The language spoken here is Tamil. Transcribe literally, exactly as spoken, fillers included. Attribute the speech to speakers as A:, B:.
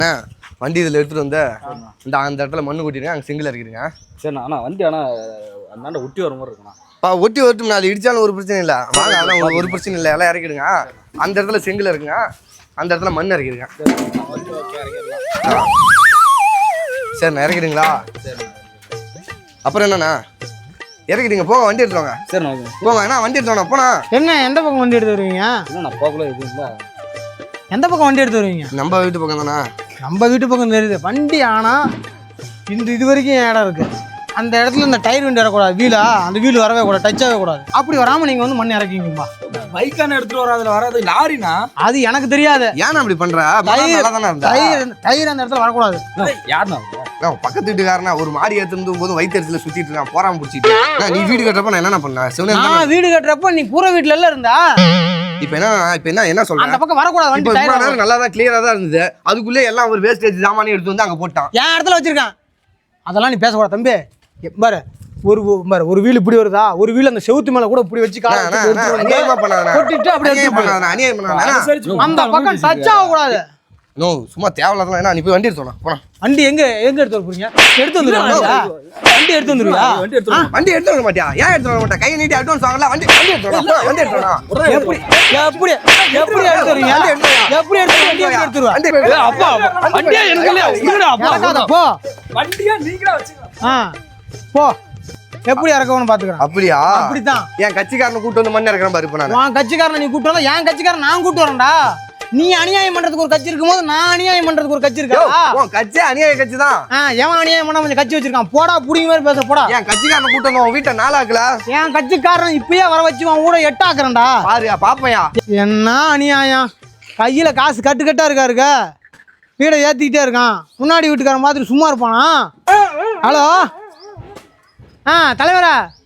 A: வண்டி இதில் எடுத்துகிட்டு வந்து இந்த அந்த இடத்துல மண்ணு கொட்டிடுங்க, அங்கே செங்கல் இறக்கிடுங்க.
B: சரிண்ணா. ஆனால் வண்டி ஆனால் அந்தாண்ட ஒட்டி வர மாதிரி இருக்குண்ணா.
A: பா ஒட்டி வரட்டும், அது இடிச்சாலும் ஒரு பிரச்சனை இல்லை. வாங்க, அதெல்லாம் ஒரு பிரச்சனை இல்லை, எல்லாம் இறக்கிடுங்க. அந்த இடத்துல செங்கல் இருக்குங்க, அந்த இடத்துல மண் இறக்கிடுங்க. சரிண்ணா, இறக்கிடுங்களா? அப்புறம் என்னண்ணா இறக்கிடுங்க, போங்க வண்டி எடுத்துவாங்க.
B: சரிண்ணா
A: போங்க. அண்ணா வண்டி எடுத்துவாண்ணா, போனா.
C: என்ன எந்த பக்கம் வண்டி எடுத்து வருவீங்க?
B: இல்லைண்ணா போகல இது இல்லை.
C: எந்த பக்கம் வண்டி எடுத்து வருவீங்க?
A: நம்ம வீட்டு பக்கம் தானே.
C: நம்ம வீட்டு பக்கம் தெரியுது வண்டி. ஆனால் இந்த இது வரைக்கும் என் இடம் இருக்குது. அந்த இடத்துல இந்த டயர் வண்டி வரக்கூடாது, வீலா அந்த வீல் வரவே கூடாது, டச் ஆகவே கூடாது. அப்படி வராமல் நீங்கள் வந்து மண் இறக்கிங்கப்பா.
B: பைக்கான எடுத்துட்டு வர அதில் வராது, லாரினா
C: அது எனக்கு தெரியாது.
A: ஏன்னா அப்படி பண்ற?
C: டயர் டயர் அந்த இடத்துல வரக்கூடாது.
B: யாருண்ணா
A: பக்கத்து வீட்டுக்காரனா ஒரு மாடி எடுத்துட்டு போது வயிற்றுல சுத்திட்டு இருக்கான், போறாம பிடிச்சிட்டு. நீ வீடு கட்டுறப்ப நான் என்ன பண்ணேன்?
C: நான் வீடு கட்டுறப்ப நீ பூர வீட்டுல எல்லாம் இருந்தா.
A: இப்ப என்ன இப்ப என்ன என்ன சொல்றேன்?
C: அந்த பக்கம் வரக்கூடாது வண்டி.
A: டயர் நல்லா தான் கிளியரா தான் இருந்தது, அதுக்குள்ளே எல்லாம் ஒரு வேஸ்டேஜ் சாமானி எடுத்து வந்து அங்க போட்டான்.
C: என் இடத்துல வச்சிருக்கான். அதெல்லாம் நீ பேசக்கூடாது தம்பி. பாரு, ஒரு பாரு ஒரு வீல் இப்படி வருதா, ஒரு வீல் அந்த செவுத்து மேல கூட இப்படி வச்சு அந்த பக்கம் டச் ஆக கூடாது.
A: நோ, சும்மா தேவையில்லாத. என்ன நீ போய் வண்டி எடுத்து போனா.
C: வண்டி எங்க எங்க எடுத்து வர போறீங்க? எடுத்து வந்துருவா. வண்டி எடுத்து வந்துருவியா?
A: வண்டி எடுத்து வர மாட்டியா? ஏன் எடுத்து வர மாட்டா? கையை நீட்டி அட்வான்ஸ் வாங்கல. வண்டி வண்டி எடுத்து வா. வண்டி எடுத்து வா.
C: எப்படி எப்படி எப்படி எடுத்து வரீங்க? எப்படி எடுத்து வண்டி எடுத்து வா.
B: அப்பா வண்டியா எனக்கு இல்ல, இருடா அப்பா.
C: போ
B: வண்டியா நீங்களா வச்சுக்க.
C: ஆ போ. எப்படி இறக்கணும்னு பாத்துக்கறேன்.
A: அப்படியா?
C: அப்படிதான்.
A: என் கட்சிக்காரனை கூட்டு வந்து மண்ணு இறக்குறேன் பாரு. இப்ப நான்
C: உன் கட்சிக்காரனை நீ கூட்டு வந்தா என் கட்சிக்காரன் நான் கூட்டு வரேன்டா. நீ அநியாயம் பண்றதுக்கு ஒரு கட்சி இருக்கும்போது நான் அநியாயம் பண்றதுக்கு ஒரு கட்சி இருக்கா?
A: உன் கட்சி அநியாய கட்சி தான்.
C: எவன் அநியாயம் பண்ணா கொஞ்சம் கட்சி வச்சிருக்கான். போடா புடிங்க மாதிரி பேச போடா.
A: என் கட்சிக்காரனை கூட்டு வந்து உன் வீட்டை நாளாக்கல.
C: என் கட்சிக்காரன் இப்பயே வர வச்சு உன் கூட எட்டாக்குறேன்டா.
A: பாருயா பாப்பையா
C: என்ன அநியாயம். கையில காசு கட்டு கட்டா இருக்காருக்க, வீடை ஏத்திக்கிட்டே இருக்கான். முன்னாடி வீட்டுக்காரன் மாதிரி சும்மா இருப்பானா? ஹலோ ஆ தலைவரா,